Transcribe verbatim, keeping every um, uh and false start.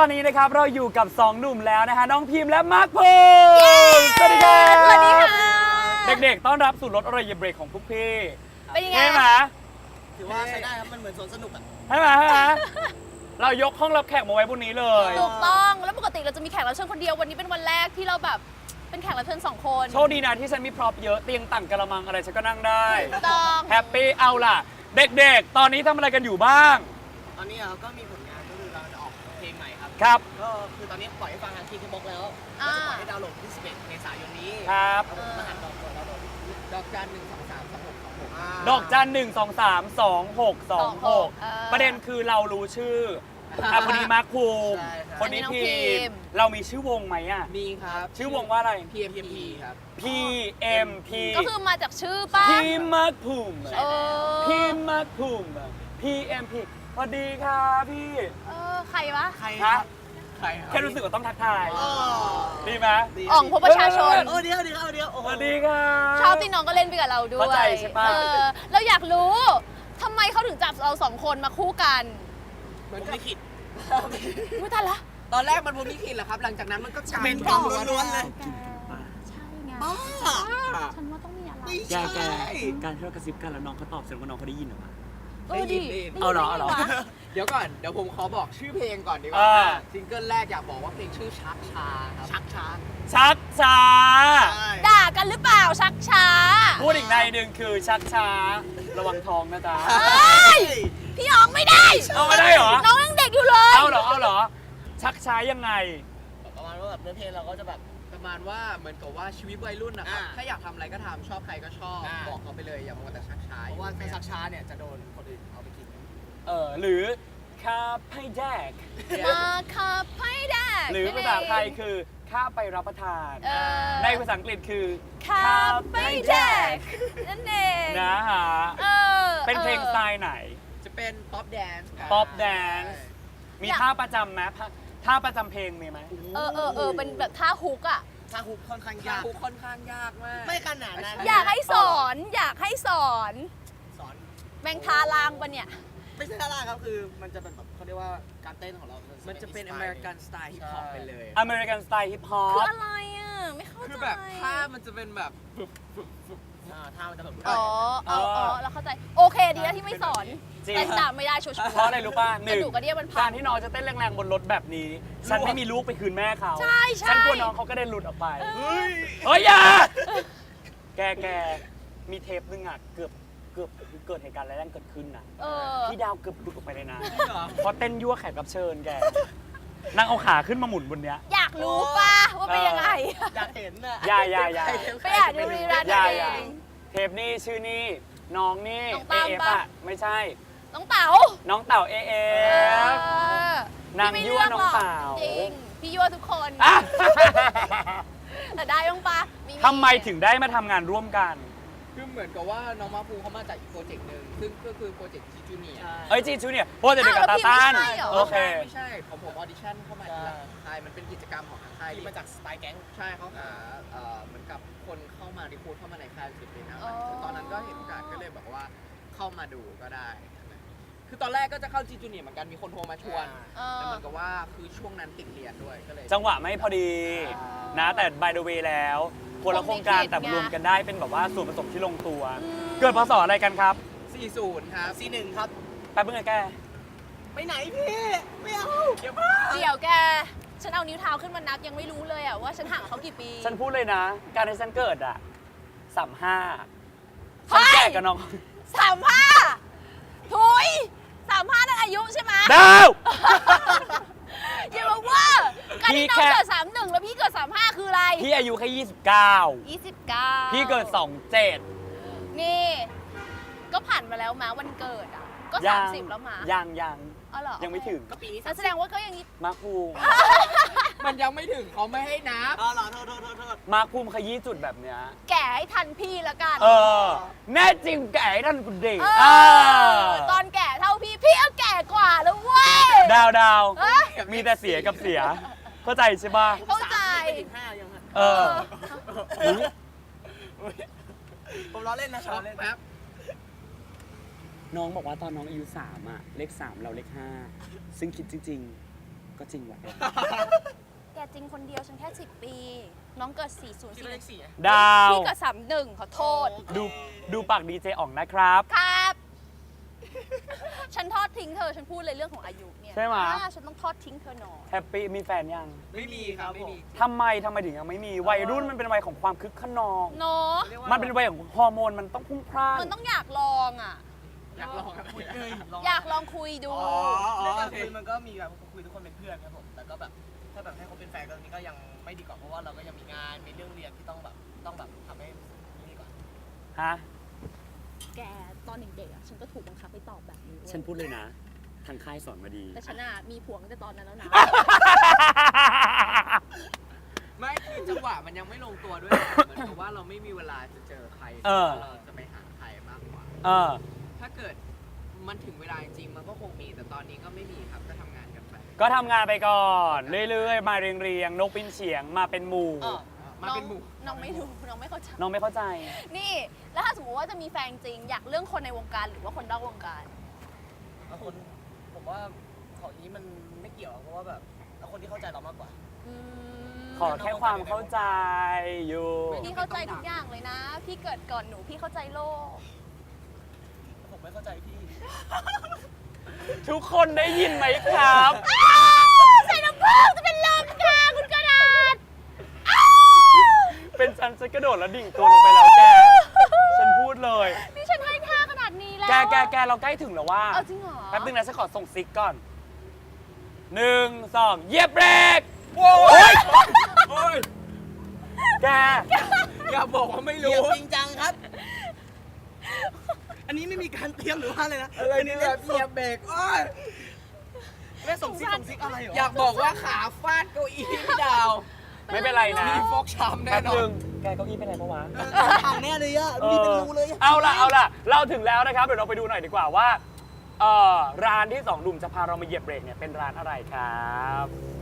อนนี้นะครับเราอยู่กับสองหนุ่มแล้วนะคะน้องพิมพ์และมาร์คภูมิสวัสดีครับสวัสดีค่ะเด็กๆต้อนรับสู่รถอร่อยเย็นเบรกของพวกพี่เป็นยังไงใช่ไหมถือว่าใช้ได้ครับ มันเหมือนสวนสนุกอ่ะใช่ไหมใช่ไหมเรายกห้องรับแขกมาไว้บนนี้เลยถูกต้องแล้วปกติเราจะมีแขกรับเชิญคนเดียววันนี้เป็นวันแรกที่เราแบบเป็นแขกรับเชิญสองคนโชคดีนะที่ฉันมีพร็อพเยอะเตียงต่างกระมังอะไรฉันก็นั่งได้ถูกต้องแฮปปี้เอาล่ะ เด็กๆ ตอนนี้ทำอะไรกันอยู่บ้างตอนนี้เราก็มีผลงานก็คือเราจะออกเพลงใหม่ครับครับก็คือตอนนี้ปล่อยให้ฟังทางคีย์บ็อกแล้วอ่าก็จะปล่อยให้ดาวน์โหลดที่สิบเอ็ดเมษายนนี้ครับครับผมรหัสดอกดาวน์โหลดดอกจันหนึ่งสองสามสองหกสองหกดอกจันหนึ่งสองสามสองหกสองหกเออประเด็นคือเรารู้ชื่ออ่ะคนนี้มาร์คภูมิใช่ครับคนนี้อันนี้น้องพีพิมพ์มเรามีชื่อวงไหมอ่ะมีครับชื่อวงว่าอะไรพี เอ็ม พี ครับพี เอ็ม พีก็คือมาจากชื่อป้าพีมาร์คภูมิเออพีมาร์คภูมิ พี เอ็ม พี สวัสดีครับพี่เออใครวะใครฮะใครครับแค่รู้สึกว่าต้องทักทายอ๋อดีไหมดีอ่องพบประชาชนเออเดี๋ยวเดี๋ยวเดี๋ยวโอ้สโหวัสดีครับชอบที่น้องก็เล่นไปกับเราด้วยเข้าใจใช่ปะเออเราอยากรู้ทำไมเขาถึงจับเราสองคนมาคู่กันเหมือนลิขิตไม่ทันละตอนแรกมันผมลิขิตแหละครับ หลังจากนั้นมันก็กลายเป็นกรรมล้วนๆเลยใช่ไงบ้าฉันว่าต้องมีอะไรไม่แกใช่แกการที่เรากระซิบกันแล้วน้องเขาตอบเสร็จว่าน้องเขาได้ยินเหรอวะเออดิเอาเหรอเอาเหรอได้ยินปะเดี๋ยวก่อน เดี๋ยวผมขอบอกชื่อเพลงก่อนดีกอ่าว่าซิงเกิลแรกอยากบอกว่าเพลงชื่อชักชาครับชักช้าชักช้าใช่ด่ากันหรือเปล่าชักช้าพูดอีกในหนึ่งคือชักช้า ระวังทองนะจ๊ะเฮ้ยพี่อ๋องไม่ได้เอาไม่ได้เหรอน้องยังเด็กอยู่เลยเอาเหรอ เอาเหรอ ชักช้ายังไงประมาณว่าแบบเนื้อเพลงเราก็จะแบบประมาณว่าเหมือนกับว่าชีวิตวัยรุ่นนะครับอ่าถ้าอยากทำอะไรก็ทำชอบใครก็ชอบอ่าบอกเขาไปเลยอย่ามัวแต่ชักช้าเพราะว่าอยู่ถ้าชักช้าเนี่ยจะโดนคนอื่นเอาไปกินเออหรือข้าให้แดกมาขับให้ได้หรือภาษาไทยคือข้าไปรับประทานเออในภาษาอังกฤษคือขับไปแจกนั่นเองนะฮะเออเป็นเพลงสไตล์ไหนจะเป็นป๊อปแดนซ์ Pop Dance มีท่าประจำไหมท่าท่าประจำเพลงมีไหมเออเออเออเป็นแบบท่าฮุกอ่ะถ้าฮุกค่อนข้างยายาก กค่อนข้างยากมากไม่ขนาดนั้นอยากให้สอนอยากให้สอนสอนแมงทาลางปะเนี่ยไม่ใช่ท่าล่างครับ คือมันจะเป็นแบบเขาเรียกว่าการเต้นของเรามัมันจะเป็นอเมริกันสไตล์ฮิปฮอปไปเลยอเมริกันสไตล์ฮิปฮอคือปอะไรอ่ะ ไม่เข้าใจคือแบบท่ามันจะเป็นแบบอ่าท่ามันจะแบบอ๋ออ๋ออ๋อเราเข้าใจ โอเคดีแล้วที่ไม่สอนจริงแต่ตามไม่ได้ชัวร์ๆเพราะอะไรรู้ป่ะหกระนึ่งดูกกระเดี่ยวมันพัการงที่น้องจะเต้นแรงๆบนรถแบบนี้ ฉันไม่มีลูกไปคืนแม่เขาใช่ใช่ฉันกลัวน้องเขาก็ได้หลุดออกไปเฮ้ยเฮ้ยอย่า แกแกมีเทปนึงอ่ะ เกือบเกือบเกิดเหตุการณ์อะไรแรงเกิดขึ้นนะเออพี่ดาวเกือบหลุดออกไปเลยนะเหรอเพราะเต้นยั่วแขกรับเชิญแก นั่งเอาขาขึ้นมาหมุนบนเนี้ยอยากรู้ป่ะว่าเป็นยังไงอยากเห็นน่ะอย่าอย่าอย่าไปอ่านดูรีรันอย่าเออย่าง เทปนี้ชื่อนี่น้องนี่น้องเอตามเอฟปะอ่ะไม่ใช่น้องเต๋าน้องเต่าเอเอเอฟอนางยั่วน้องเต๋าจริง พี่ยั่วทุกคนอ่ะแต่ได้บ้างปะทำไมถึงได้มาทำงานร่วมกันคือเหมือนกับว่าน้องมาฟูเขามาจากอีกโปรเจกต์หนึ่งซึ่งก็คือโปรเจกต์จีจูเนียเอ้ยจีจูเนี่ยโปรเจกต์เดียวกับตาต้านโอเคไม่ใช่ของผมออดิชั่นเข้ามาทีหลังค่ายมันเป็นกิจกรรมของทางค่ายที่มาจากสไตล์แก๊งใช่เขาหาเอ่อเหมือนกับคนเข้ามารีคูดเข้ามาในค่ายศิลปินนะอ๋อตอนนั้นก็เห็นโอกาสก็เลยแบบว่าเข้ามาดูก็ได้ คือตอนแรกก็จะเข้าจีจูเนียเหมือนกันมีคนโทรมาชวนเอแต่อเหมือนกับว่าคือช่วงนั้นติดเรียนด้วยก็เลยจังหวะไม่พอดีนะแต่ by the way แล้วคนละโครงการแต่รวมกันได้เป็นแบบว่าส่วนผสมที่ลงตัวอืมเกิดพศอะไรกันครับสี่สิบครับซีหนึ่งครับแป๊บเพิ่งไงแกไปไหนพี่ ไม่เอาเดี๋ยวมาเดี๋ยวแก ฉันเอานิ้วเท้าขึ้นมานับยังไม่รู้เลยอะว่าฉันห่างเขากี่ปีฉันพูดเลยนะ การที่ฉันเกิดอ่ะสามห้าเฮ้ฉันยแก่กับน้องสามห้าถุยสามห้านั่นอายุใช่ไหมดาวอย่ามาว่าการที่น้องพี่แค่เกิดสามหนึ่งแล้วพี่เกิดสามห้าคืออะไรพี่อายุแค่ยี่สิบเก้ายี่สิบเก้าพี่เกิดสองเจ็ดนี่ ก็ผ่านมาแล้วมาวันเกิดอ่ะ ก็สามสิบแล้วมายังยังอ๋อเหรอยังไม่ถึงก็ปีนี้นั่นแสดงว่าก็ยังมาร์คภูมิมันยังไม่ถึงเขาไม่ให้นับอ๋อเหรอโทษโทษโทษโทษมาร์คภูมิขยี้จุดแบบเนี้ยแก่ให้ทันพี่ละกันเออ แน่จริงแก่ให้ท่านคุณเด็กเออตอนแก่เท่าพี่ พี่ก็แก่กว่าแล้วเว้ยดาวดาวเอ้ยมีแต่เสียกับเสีย เข้าใจใช่ป่ะเข้าใจไม่ถึงห้ายังฮะเออผมล้อเล่นนะช็อกล้เล่นแป๊บน้องบอกว่าตอนน้องอายุสามอะเลขสามเราเลขห้าซึ่งคิดจริงก็จริงว่ะแกจริงคนเดียวฉันแค่สิบปี น้องเกิดสี่ศูนย์คิดว่าเลขสี่ดาวพี่เกิดสามหนึ่งขอโทษดูดูปากดีเจอ่องนะครับครับ ฉันทอดทิ้งเธอ ฉันพูดเลยเรื่องของอายุเนี่ยใช่ไหมอ่าฉันต้องทอดทิ้งเธอหน่อยแฮปปี้มีแฟนยังไม่มีครับไม่มีทำไมทำไมถึงยังไม่มีวัยรุ่นมันเป็นวัยของความคึกขนองเนาะมันเป็นวัยของฮอร์โมนมันต้องพุ่งพล่านมันต้องอยากลองอ่ะอยากลองอะไรคุยอะเลยลองอยากลองคุยดูอ๋อเรื่องการคุยมันก็มีแบบคุยทุกคนเป็นเพื่อนครับผมแต่ก็แบบถ้าแบบให้เขาเป็นแฟนกันนี้ก็ยังไม่ดีกว่าเพราะว่าเราก็ยังมีงานมีเรื่องเรียนที่ต้องแบบต้องแบบทำให้ดีกว่าฮะแกตอนเด็กๆอ่ะ ฉันก็ถูกบังคับให้ตอบแบบนี้เว้ยฉันพูดเลยนะ ทางค่ายสอนมาดีแต่ฉันอ่ะมีผัวตั้งแต่ตอนนั้นแล้วนะไม่คือจังหวะมันยังไม่ลงตัวด้วยเหมือนกับว่าเราไม่มีเวลาจะเจอใครเออเราจะไปหาใครมากกว่าเออถ้าเกิดมันถึงเวลาจริงๆมันก็คงมีแต่ตอนนี้ก็ไม่มีครับก็ทำงานกันไปก็ทำงานไปก่อน เรื่อยๆ มาเรียงๆ นกปินเฉียงมาเป็นหมู่เออมาเป็นหมู่น้องไม่รู้น้องไม่เข้าใจน้องไม่เข้าใจนี่ แล้วถ้าสมมติว่าจะมีแฟนจริง อยากเรื่องคนในวงการหรือว่าคนนอกวงการเอาคนผมว่าของนี้มันไม่เกี่ยวเพราะว่าแบบเอาคนที่เข้าใจเรามากกว่าอืมขอแค่ความเข้าใจอยู่พี่เข้าใจทุกอย่างเลยนะ พี่เกิดก่อนหนูพี่เข้าใจโลกผมไม่เข้าใจพี่ทุกคนได้ยินไหมครับใส่น้ำผึ้งจะเป็นลมค่ะคุณกระดาษเป็นฉันจะกระโดดแล้วดิ่งตัวลงไปแล้วแก ฉันพูดเลยนี่ฉันให้ค่าขนาดนี้แล้วแกแกแกเราใกล้ถึงแล้วว่าเอาจริงเหรอแป๊บนึงนะฉันขอส่งซิกก่อนหนึ่งสองเหยียบเบรกโอ้ยโอ้ยแกอย่าบอกว่าไม่เรีรู้ยจริงจังครับ อันนี้ไม่มีการเตรียมหรือว่าอะไรนะอะไรนี่แบบเหยียบเบรกโอ้ยแม่ส่งซิกส่งซิกอะไรเหรออยากบอกว่าขาฟาดเก้าอี้พี่ดาวไม่เป็นไรนะมีฟกช้ำแน่แป๊บนอนึนงแกเก้าอี้เป็นไรปะวะเออห่างแน่เลยอะดูดิเป็นรูเลยอะเอาล่ะเอาล่ะ เราถึงแล้วนะครับ เดี๋ยวเราไปดูหน่อยดีกว่าว่าเอ่อร้านที่สองหนุ่มจะพาเรามาเหยียบเบรกเนี่ยเป็นร้านอะไรครับ